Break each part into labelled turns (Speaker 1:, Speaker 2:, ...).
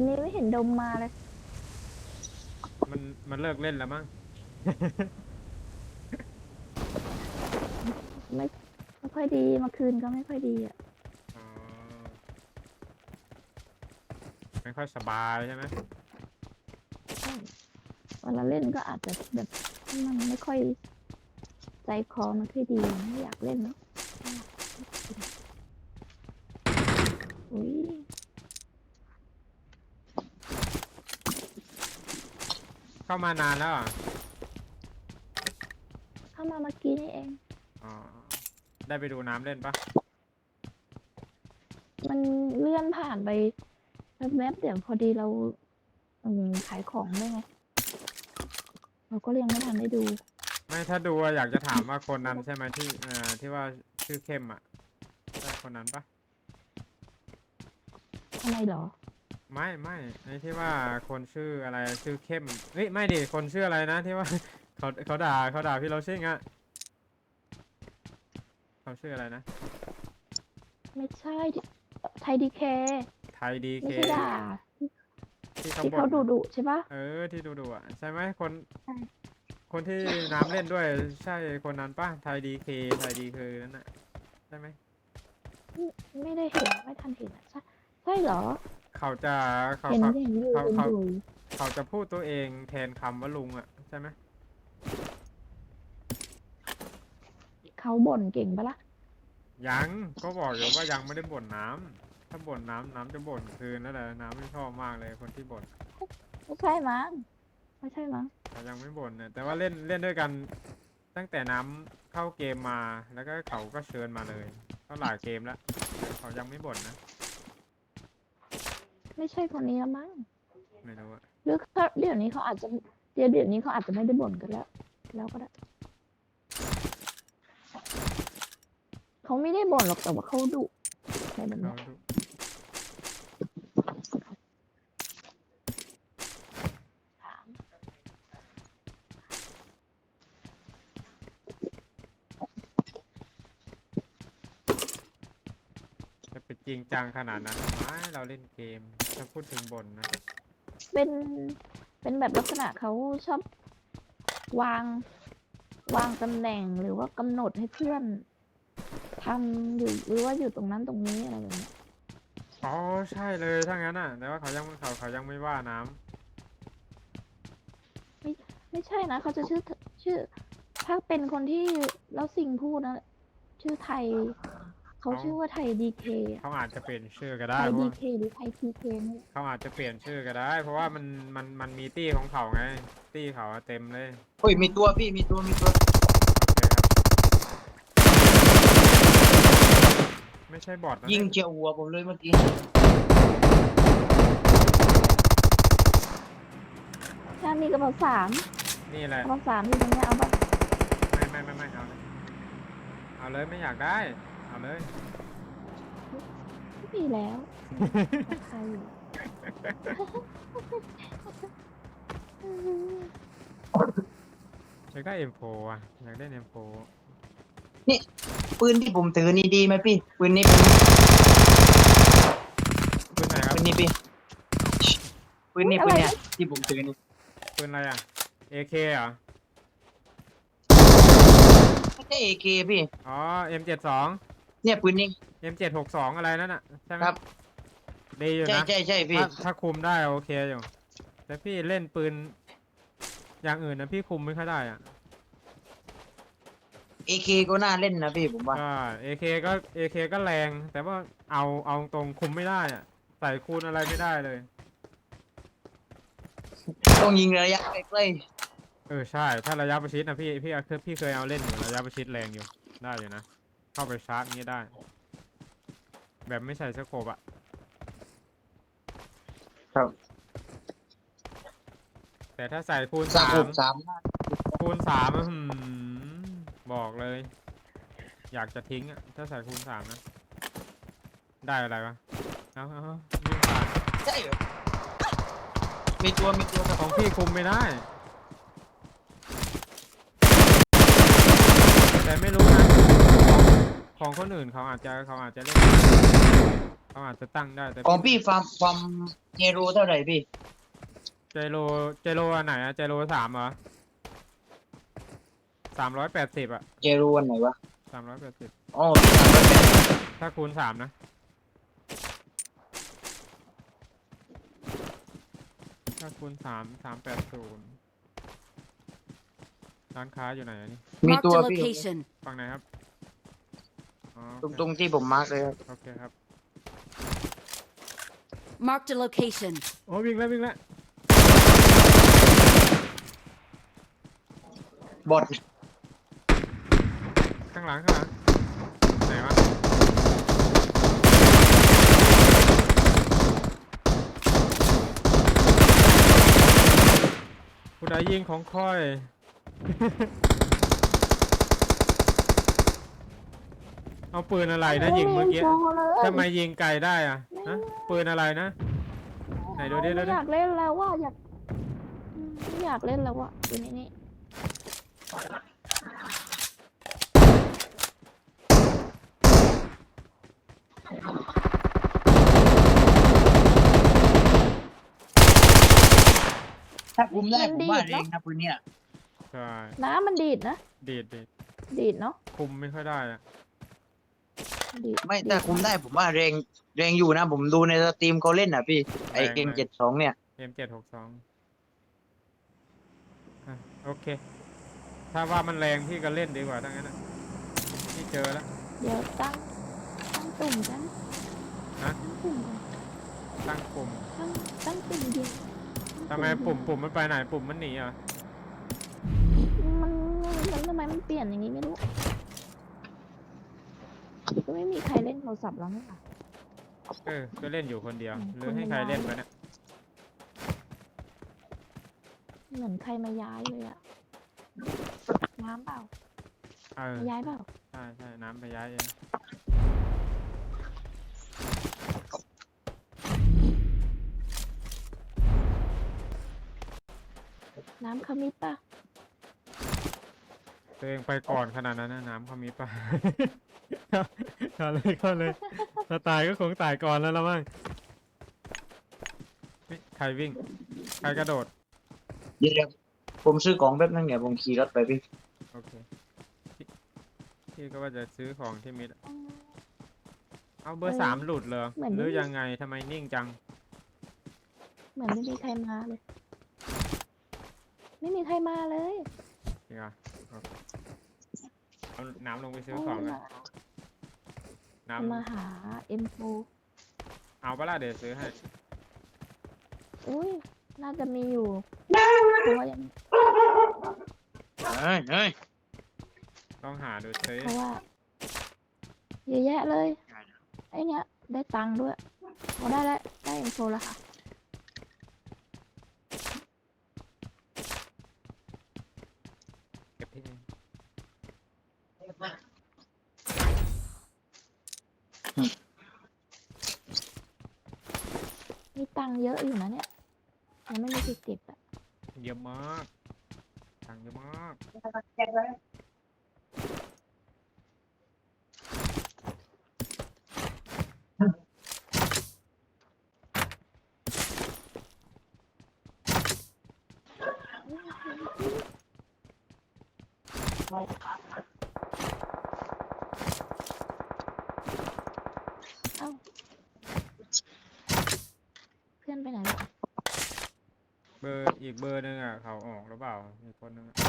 Speaker 1: วันนี้ไม่เห็นดมมาเลย
Speaker 2: มันมันเลิกเล่นแล้วมั้ง
Speaker 1: ไม่ไม่ค่อยดีเมื่อคืนก็ไม่ค่อยดีอ่ะ
Speaker 2: อ๋อไม่ค่อยสบายใช่ไหม
Speaker 1: ใช่เวลาเล่นก็อาจจะแบบมันไม่ค่อยใจคอมันค่อยดีไม่อยากเล่นเนาะอุ้ย
Speaker 2: เข้ามานานแล้วอ่ะ
Speaker 1: เข้ามาเมื่อกี้นี่เอง
Speaker 2: อ๋อได้ไปดูน้ำเล่นปะ
Speaker 1: มันเลื่อนผ่านไปแวบๆเดี๋ยวพอดีเราขายของด้วยไงเราก็ยังไม่ทันได้ดู
Speaker 2: ไม่ถ้าดูอะอยากจะถามว่าคนนั้นใช่ไหมที่ที่ว่าชื่อเข้มอ่ะใช่คนนั้นปะ
Speaker 1: ทำไมเหรอ
Speaker 2: ไม่ไอ้ที่ว่าคนชื่ออะไรชื่อเข้มเฮ้ยไม่ดิคนชื่ออะไรนะที่ว่า เขาด่าพี่เราชิ่งอ่ะเขาชื่ออะไรนะ
Speaker 1: ไม่ใช่ไทยดีเค
Speaker 2: ไทยดีเค
Speaker 1: ไม่ใช่ด่า
Speaker 2: ที่เขา
Speaker 1: ที่
Speaker 2: บ่น
Speaker 1: เขาดุใช่ปะ
Speaker 2: ที่ดูอ่ะใช่ไหมคน
Speaker 1: ใช่
Speaker 2: คนที่น้ำเล่นด้วยใช่คนนั้นป่ะไทยดีเคไทยดีเคนั่นน่ะใช่ไหม
Speaker 1: ไม่ได้เห็นไม่ทันเห็นอะใช่เหรอ
Speaker 2: เขาจะเขา
Speaker 1: เห็น
Speaker 2: เขา
Speaker 1: เห็นอยู่
Speaker 2: เขาเขา
Speaker 1: เห็นอยู่
Speaker 2: เขาจะพูดตัวเองแทนคำว่าลุงอ่ะใช่ไหม
Speaker 1: เขาบ่นเก่งปะล่ะ
Speaker 2: ยังก็บอกอยู่ว่ายังไม่ได้บ่นน้ำถ้าบ่นน้ำจะบ่นคืนนั่นแหละน้ำไม่ชอบมากเลยคนที่บ่น
Speaker 1: ไม่ใช่มั้งไม่ใช่มั้ง
Speaker 2: เขายังไม่บ่นนะแต่ว่าเล่นด้วยกันตั้งแต่น้ำเข้าเกมมาแล้วก็เขาก็เชิญมาเลยก็หลายเกมแล้วแต่เขายังไม่บ่นนะ
Speaker 1: ไม่ใช่คนนี้แล้วมั้ง
Speaker 2: ไม่รู้อะ
Speaker 1: หรือเขาเดี๋ยวนี้เขาอาจจะเดี๋ยวนี้เขาอาจจะไม่ได้บ่นกันแล้วก็ได้เขาไม่ได้บ่นหรอกแต่ว่าเขาดุอะไรแบบ
Speaker 2: เขา
Speaker 1: เนี้ย
Speaker 2: ดู
Speaker 1: ถาม
Speaker 2: จะไปจริงจังขนาดนั้นไม่เราเล่นเกมถ้าพูดถึงบ่นนะ
Speaker 1: เป็นเป็นแบบลักษณะเขาชอบวางวางตำแหน่งหรือว่ากำหนดให้เพื่อนทำอยู่หรือว่าอยู่ตรงนั้นตรงนี้อะไรแบบเนี้ย
Speaker 2: อ๋อใช่เลยถ้างั้นอ่ะแต่ว่าเขายังไม่ว่าน้
Speaker 1: ไม่ใช่นะเขาจะชื่อถ้าเป็นคนที่แล้วสิ่งพูดนะชื่อไทย
Speaker 2: ำ
Speaker 1: เขาชื่อว่าไทยดีเค
Speaker 2: เขาอาจจะเปลี่ยนชื่อก็
Speaker 1: ไท
Speaker 2: ได้เพราะว่า
Speaker 1: ยดีเคหรือไทยทีเคนี่แหละ
Speaker 2: เขาอาจจะเปลี่ยนชื่อก็ได้เพราะว่ามันมีตี้ของเขาไงตี้เขาอะเต็มเลย
Speaker 3: โอ้ยมีตัวพี่มีตัว
Speaker 2: โอเคครับไม่ใช่บอทนะ
Speaker 3: ยิง
Speaker 2: เนี่ย
Speaker 3: เจียวหัวผมเลยเมื่อกี้
Speaker 1: ถ้ามีกระเป๋าสาม
Speaker 2: นี่แหละ
Speaker 1: กระเป๋าสามอยู่ตรงเนี้ยเอาปะ
Speaker 2: ไม่เอาเลยไม่อยากได้เอาเลย
Speaker 1: ไม่มีแล้วราคาอยู่
Speaker 2: อยากได้ M4 อ่ะอยากได้ M4
Speaker 3: นี่ปืนที่ผมถือนี่ดีไหมพี่ปืนนี้
Speaker 2: ปืนไหนครับ
Speaker 3: ปืนนี้พี่ปืนนี้
Speaker 1: อุ๊
Speaker 3: ปื
Speaker 1: ย
Speaker 3: น
Speaker 1: อะไร
Speaker 3: เนี่ย
Speaker 1: นะ
Speaker 3: ที่ผมถือนี่
Speaker 2: ปืนอะไรอ่ะ AK เหรอ
Speaker 3: ไม่ใช่ AK พี่
Speaker 2: อ๋อ M72
Speaker 3: เนี่ยปืนนี้
Speaker 2: M762 อะไรนั่นน่ะใช่ไหม
Speaker 3: ครับ
Speaker 2: ดีอยู่
Speaker 3: ใช่
Speaker 2: นะ
Speaker 3: พี่
Speaker 2: ถ้าคุมได้โอเคอยู่แต่พี่เล่นปืนอย่างอื่นนะพี่คุมไม่ค่อยได้อ่ะ
Speaker 3: AK ก็น่าเล่นนะพี่ผมว่า
Speaker 2: ก็ AK ก็แรงแต่ว่าเอาตรงคุมไม่ได้อ่ะใส่คูณอะไรไม่ได้เลย
Speaker 3: ต้องยิงระยะใกล้
Speaker 2: ใช่ถ้าระยะประชิดนะพี่เคยเอาเล่นอยู่ระยะประชิดแรงอยู่ได้อยู่นะเข้าไปชาร์จนี้ได้แบบไม่ใส่สโคปอะ
Speaker 3: ๆครับ
Speaker 2: แต่ถ้าใส่คูณ
Speaker 3: สา
Speaker 2: สาม ม
Speaker 3: สาม
Speaker 2: คูณสามอะบอกเลย อยากจะทิ้งอะถ้าใส่คูณสามนะได้อะไรวะเอาวิ่งผ่าน
Speaker 3: ใช่เหรอมีตัวครับ
Speaker 2: ของพี่คุมไม่ได้แต่ไม่รู้นะของคนอื่นเขาอาจจะเล่นเขาอาจจะตั้งได้แต่
Speaker 3: ของพี่ฟาร์มเฮโร่เท่าไหร่พี่
Speaker 2: เจโรอันไหนอะเจโร3เหรอ380อะ
Speaker 3: เฮโร่อันไหนวะ
Speaker 2: 380
Speaker 3: อ๋อพี่380
Speaker 2: ถ้าคูณ3นะถ้าคูณ3 380ร้านค้าอยู่ไหนอันนี้
Speaker 3: มี
Speaker 4: Marked
Speaker 3: ตัว
Speaker 4: a
Speaker 3: พี่
Speaker 4: location.
Speaker 2: ฝั่งไหนครับอ๋อ
Speaker 3: ตรงที่ผมมาร์กเลยครับ
Speaker 2: โอเคครับ
Speaker 4: Marked a location.
Speaker 2: โอ้วิ่งแล้ว
Speaker 3: บอท
Speaker 2: ข้างหลังไหนวะผู้ใดยิงของค่อย เอาปืนอะไรนะยิงเมื่อกี้
Speaker 1: โเลย
Speaker 2: ทำไมยิงไกลได้อะฮะปืนอะไรนะไหนดูดิ
Speaker 1: ไม่อยากเล่นแล้วว่าไม่อยากเล่นแล้วว่าอยู่ในนี้
Speaker 3: ถ้าคุมได้ผมว่าเองนะปืนเนี่ย
Speaker 2: ใช่
Speaker 1: น้ำมันดีดนะ
Speaker 2: ดีด
Speaker 1: ดีดเนาะ
Speaker 2: คุมไม่ค่อยได้อะ
Speaker 1: ดีด
Speaker 3: ไม่ถ้าคุมได้ผมว่าแรงอยู่นะ ผมดูในสตรีมเขาเล่นอ่ะพี่ไอเก่ง72เนี่ย
Speaker 2: M762อ่ะโอเค ถ้าว่ามันแรงพี่ก็เล่นดีกว่าทั้งนั้นนะพี่เจอแล้ว
Speaker 1: เดี๋ยวตั้งตุ่มกัน
Speaker 2: นะ
Speaker 1: ตั้งตุ่มกัน
Speaker 2: ตั้งปุ่ม
Speaker 1: ตั้งตุ่มยิง
Speaker 2: ทำไมปุ่มมันไปไหนปุ่มมันหนีอ่ะ
Speaker 1: มันทำไมมันเปลี่ยนอย่างนี้ไม่รู้ก็ไม่มีใครเล่นโทรศัพท์แล้วนี่ค่ะ
Speaker 2: ก็เล่นอยู่คนเดียว
Speaker 1: อืม
Speaker 2: หรือให้ใครเล่นไปเนี่ย
Speaker 1: เหมือนใครมาย้ายเลยอะน้ำเปล่า
Speaker 2: เออ
Speaker 1: มาย้ายเปล่า
Speaker 2: ใช่น้ำไปย้ายเอง
Speaker 1: น้ำขมิบป่ะ
Speaker 2: ตัวเองไปก่อนขนาดนั้นนะน้ำเขามีป่ะ เข้าเลยถ้าตายก็คงตายก่อนแล้วละมั้งเฮ้ยใครวิ่ง ใครกระโดด
Speaker 3: เดี๋ยวผมซื้อของแป๊บนึงเนี่ยผมขี่รถไปพี่
Speaker 2: โอเคพี่ก็ว่าจะซื้อของที่มิดเอาเบอร์3หลุดเหรอหรือยังไงทำไมนิ่งจัง
Speaker 1: เหมือนไม่มีใครมาเลย ไม่มีใครมาเลย
Speaker 2: จริงอ่ะเอาน้ำลงไปซื้อของกันน้
Speaker 1: มาหาเอ็มโฟ
Speaker 2: ำเอาปะล่ะเดี๋ยวซื้อให้
Speaker 1: อุ้ยน่าจะมีอยู่เพราะว่ายัง
Speaker 3: เฮ้ย
Speaker 2: ต้องหาดูซื้อ
Speaker 1: เพราะว่าเยอะแยะเลยไอเนี้ยได้ตังค์ด้วยพอได้แล้วได้เอ็มโฟแล้วค่ะ
Speaker 2: เก็บที่นี่
Speaker 1: มีตังค์เยอะอยู่นะเนี่ยยังไม่มีสิทธิ์เก็บอ่ะ
Speaker 2: เยอะมากตังค์เยอะมาก
Speaker 1: เอ้าเพื่อนไปไหนแล้ว
Speaker 2: อีกเบอร์หนึงอ่ะเขาออกหรือเปล่าอีกคนนึงอะ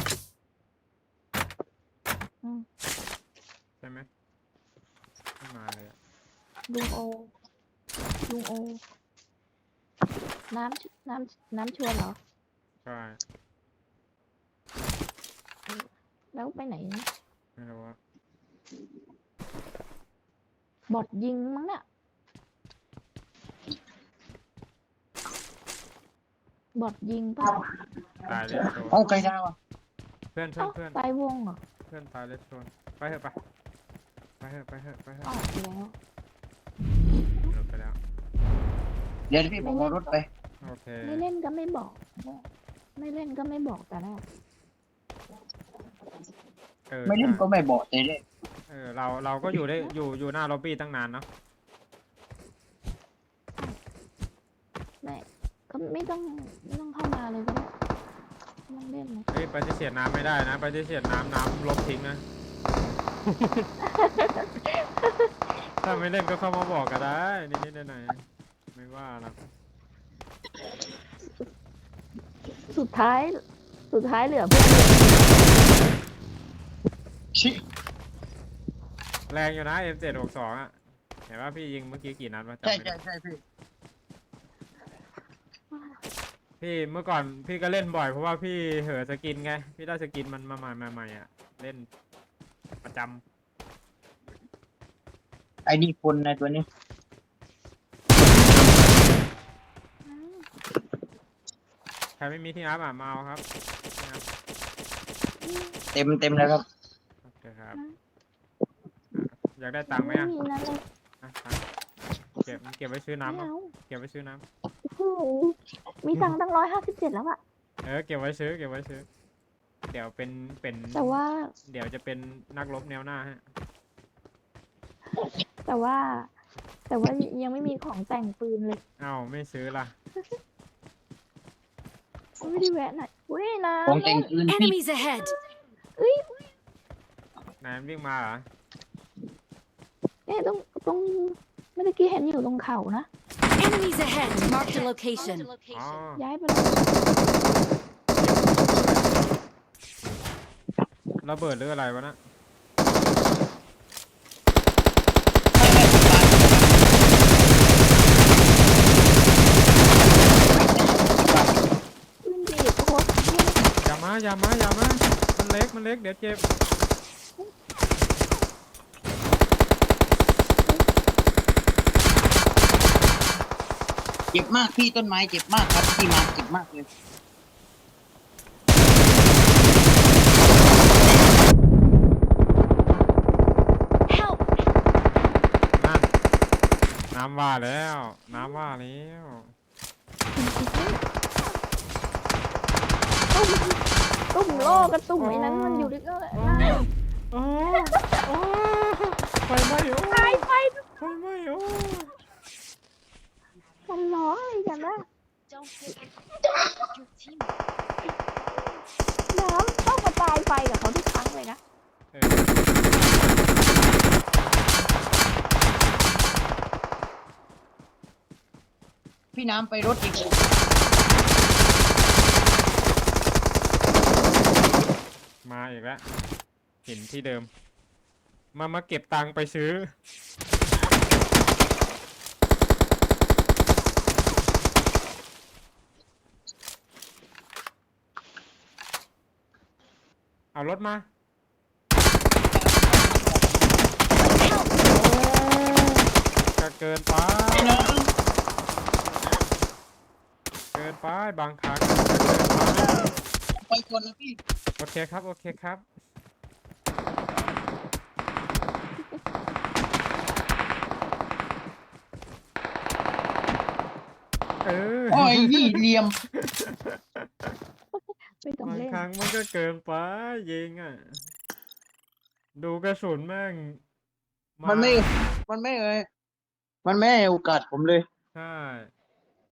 Speaker 2: ใช่ไหมไม่มาเลยอะ
Speaker 1: ลุงโอน้ำชวนเหรอ
Speaker 2: ใช่
Speaker 1: แล้วไปไหนนะ
Speaker 2: ไม่รู้ว่า
Speaker 1: บอดยิงมั้งเนี่ยบอดยิงป่ะ
Speaker 2: ตายเลยโดน
Speaker 3: เอาไกลดาวอ่ะ
Speaker 2: เพื่อน
Speaker 1: เอ้าตายวงเหรอ
Speaker 2: เพื่อนตายเลยโดนไปเถอะไปเถอะ
Speaker 1: ออกแล้ว
Speaker 2: หลุดไปแล้ว
Speaker 3: เดี๋ยวพี่ผมเอารถไป
Speaker 2: โอเค
Speaker 1: ไม่เล่นก็ไม่บอก ไม่เล่นก็ไม่บอกแต่แรก
Speaker 3: ไม่เล่นก็ไม่บอกแต่เล่น
Speaker 2: เราก็อยู่ได้อยู่หน้าล็อบบี้ตั้งนานเนาะ
Speaker 1: ไม่ก็ไม่ต้องเข้ามาเลยก็ได้ไม่ต้องเล่นเลย
Speaker 2: เฮ้ยปฏิเสธน้ำไม่ได้นะปฏิเสธน้ำลบทิ้งนะ ถ้าไม่เล่นก็เข้ามาบอกก็ได้นิดๆหน่อยๆไม่ว่าหรอก
Speaker 1: สุดท้ายเหลือเพื่อน
Speaker 3: ชิ
Speaker 2: แรงอยู่นะ M762 อ่ะเห็นว่าพี่ยิงเมื่อกี้กี่นัดวะจำ
Speaker 3: ใช่
Speaker 2: ไม่ได้
Speaker 3: ใช่ใช่พี่
Speaker 2: พี่เมื่อก่อนพี่ก็เล่นบ่อยเพราะว่าพี่เห่อสกินไงพี่ได้สกินมันมาใหม่อ่ะเล่นประจำ
Speaker 3: ไอ้นี่คนในตัวนี้
Speaker 2: ใครไม่มีที่อัพอ่ะมาเอาครับที่อัพ
Speaker 3: เต็มแล้วครับ
Speaker 2: โอเคครับอยากได้ตังค์ไหม
Speaker 1: ไม่
Speaker 2: อ่ะ
Speaker 1: มีนั่นเลย
Speaker 2: อ่ะตังค์เก็บไว้ซื้อ
Speaker 1: ไม่
Speaker 2: น้ำอ่ะ
Speaker 1: เอา
Speaker 2: เก็บไว้ซื้อน้
Speaker 1: โอ้โหมีตังค์ตั้ง157แล้วอะ
Speaker 2: ำเก็บไว้ซื้อเดี๋ยวเป็น
Speaker 1: แต่ว่า
Speaker 2: เดี๋ยวจะเป็นนักรบแนวหน้าฮะ
Speaker 1: แต่ว่ายังไม่มีของแต่งปืนเลย
Speaker 2: เอ้าไม่ซื้อล่ะ
Speaker 1: ไม่ได้แวะหน่อยเว้ยนะ
Speaker 3: ของแต่งปืนพี่
Speaker 4: Enemies ahead!
Speaker 2: นายมันวิ่งมาเหรอ
Speaker 1: เนี่ยตรงเมื่อกี้เห็นอยู่ตรงเขานะ
Speaker 4: Enemies ahead! Marked a location.
Speaker 2: อ๋อ
Speaker 1: ย้ายไปเลย
Speaker 2: ระเบิดหรืออะไรวะนะ
Speaker 1: ปืนดีดโคตรเท่
Speaker 2: อย่ามามันเล็กเดี๋ยวเจ็บ
Speaker 3: เจ็บมากพี่ต้นไม้เจ็บมากครับพี่มาเจ็บมากเลย
Speaker 4: Help!
Speaker 2: นั่นน้ำว่าแล้ว
Speaker 1: ตุ่มโลกกระตุ่มไอ้นั้นมันอยู่ด้วยกันนะ
Speaker 2: โอ้ไฟไหม้โอ้
Speaker 1: ตายไป
Speaker 2: ไฟไหม้โอ้
Speaker 1: มันร้องอะไรกันนะน้ำต้องมาตายไฟกับเขาทุกครั้งเลยนะ
Speaker 2: เออ
Speaker 3: พี่น้ำไปรถอีก
Speaker 2: มาอีกแล้วเห็นที่เดิม มาเก็บตังค์ไปซื้อ เอารถมา จะเกินไป เกินไปบางครั้งจะเกินไป
Speaker 3: ไปคนนะพี่
Speaker 2: โอเคครับ เออ
Speaker 3: โอ้ยนี่เหลี่ยม
Speaker 1: ไม่ต้อง
Speaker 2: บาง
Speaker 1: เล่น
Speaker 2: ครั้งมันก็เกินไปยิงอ่ะ ดูกระสุนแม่งา
Speaker 3: มันไม่ให้โอกาสผมเลย
Speaker 2: ใช่